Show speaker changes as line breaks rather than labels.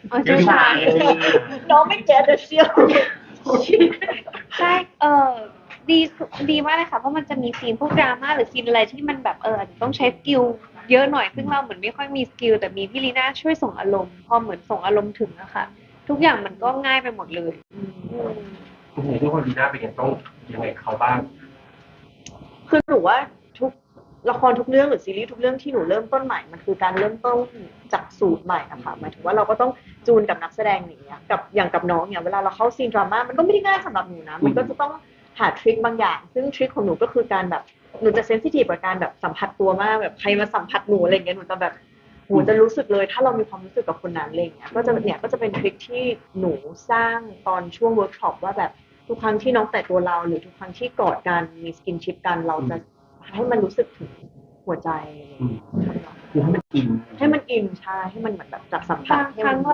เชี่ยวชาญ
น้องไม่เก็ตเชียว
ใช่ดีดีมากเลยค่ะเพราะมันจะมีซีนพวกดราม่าหรือซีนอะไรที่มันแบบต้องใช้สกิลเยอะหน่อยซึ่งเราเหมือนไม่ค่อยมีสกิลแต่มีพี่ลีน่าช่วยส่งอารมณ์พอเหมือนส่งอารมณ์ถึงนะคะทุกอย่างมันก็ง่ายไปหมดเลย
คุณเห็นทุกคนดีหน้าเป็นยังต้องยังไงเขาบ้าง
คือหนูว่าทุกละครทุกเรื่องหรือซีรีส์ทุกเรื่องที่หนูเริ่มต้นใหม่มันคือการเริ่มต้นจากสูตรใหม่อะค่ะหมายถึงว่าเราก็ต้องจูนกับนักแสดงอย่างเงี้ยกับอย่างกับน้องเนี่ยเวลาเราเข้าซีนดราม่ามันก็ไม่ได้ง่ายสำหรับหนูนะมันก็จะต้องหาทริคบางอย่างซึ่งทริคของหนูก็คือการแบบหนูจะเซนซิทีฟกับการแบบสัมผัสตัวมากแบบใครมาสัมผัสหนูอะไรเงี้ยหนูจะแบบโหจะรู้สึกเลยถ้าเรามีความรู้สึกกับคนนั้นอะไรเงี้ยก็จะเนี่ยก็จะเป็นทริคที่หนูสร้างตอนช่วงเวิร์กช็อปว่าแบบทุกครั้งที่น้องแตะตัวเราหรือทุกครั้งที่กอดกันมีสกินชิปกันเราจะให้มันรู้สึกถึงหัวใจ
คือให้มันอิน
ให้มันอินใช่ให้มันเหมือนแบบจับสัมผั
บา
ส
งครั้ง